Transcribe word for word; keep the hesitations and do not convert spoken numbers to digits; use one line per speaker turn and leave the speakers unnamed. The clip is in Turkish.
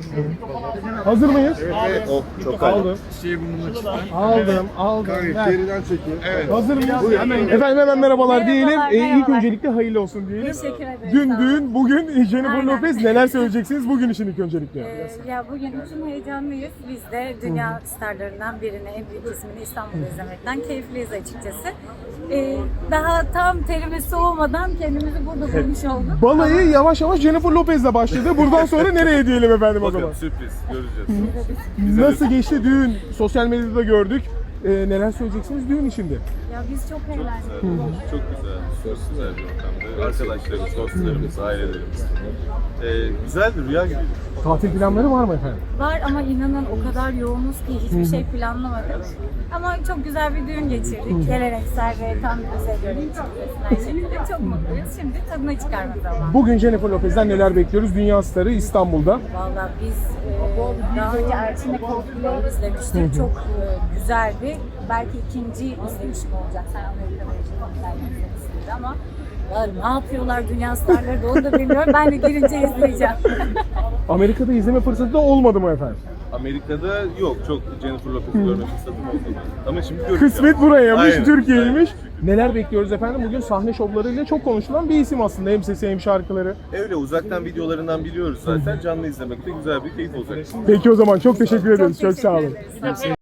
Hazır mıyız?
Evet.
Oh, çok
Aldım.
Şey burnuna çıktı.
Aldım, aldım.
Kanka
Ver.
geriden çekin.
Evet.
Hazır mıyız? Efendim hemen merhabalar diyelim.
Merhabalar,
Ee, ilk
merhabalar.
öncelikle hayırlı olsun diyelim.
Teşekkür ederim.
Dün
sağ olun.
düğün, bugün Jennifer
Aynen.
Lopez. Neler söyleyeceksiniz bugün için ilk öncelikle?
Ee, ya bugün için heyecanlıyız. Biz de dünya starlarından birini, en büyük ismini İstanbul'da izlemekten keyifliyiz açıkçası. Ee, daha tam terimiz soğumadan kendimizi burada bulmuş olduk.
Balayı yavaş yavaş Jennifer Lopez'le başladı. Buradan sonra nereye diyelim efendim o zaman?
Bakalım sürpriz göreceğiz.
Nasıl geçti düğün? Sosyal medyada gördük. Ee, neler söyleyeceksiniz düğün içinde?
Ya biz çok eğlendik.
Çok güzel, çok güzel bir ortamda. Arkadaşlarımız, dostlarımız, ailelerimiz. Ee, güzel bir rüya gibi.
Tatil planları var mı efendim?
Var ama inanın o kadar yoğunuz ki hiçbir şey planlamadık. Ama çok güzel bir düğün geçirdik. Geleneksel ve tam bize göre her şekilde çok mutluyuz. Şimdi tadını çıkarma zamanı.
Bugün Jennifer Lopez'den neler bekliyoruz? Dünya starı İstanbul'da.
Valla biz e, daha önce Erçin'le Coldplay'i izlemiştik. Çok e, güzeldi. Belki ikinci izlemişim olacak. Sen Amerika'da Coldplay'i izlemişsindir ama ya ne yapıyorlar dünya starları da onu da bilmiyorum. Ben de girince izleyeceğim.
Amerika'da izleme fırsatı da olmadı mı efendim?
Amerika'da yok, çok Jennifer Lopez'i görme fırsatım oldu. Ama şimdi göreceğim.
Kısmet burayaymış,
Aynen,
Türkiye'ymiş.
aynen.
Neler bekliyoruz efendim? Bugün sahne şovlarıyla çok konuşulan bir isim aslında. Hem sesi hem şarkıları.
Öyle uzaktan videolarından biliyoruz zaten. Canlı izlemek de güzel bir keyif olacak.
Peki o zaman çok teşekkür ederiz. Çok,
teşekkür
sağ olun.
ederiz.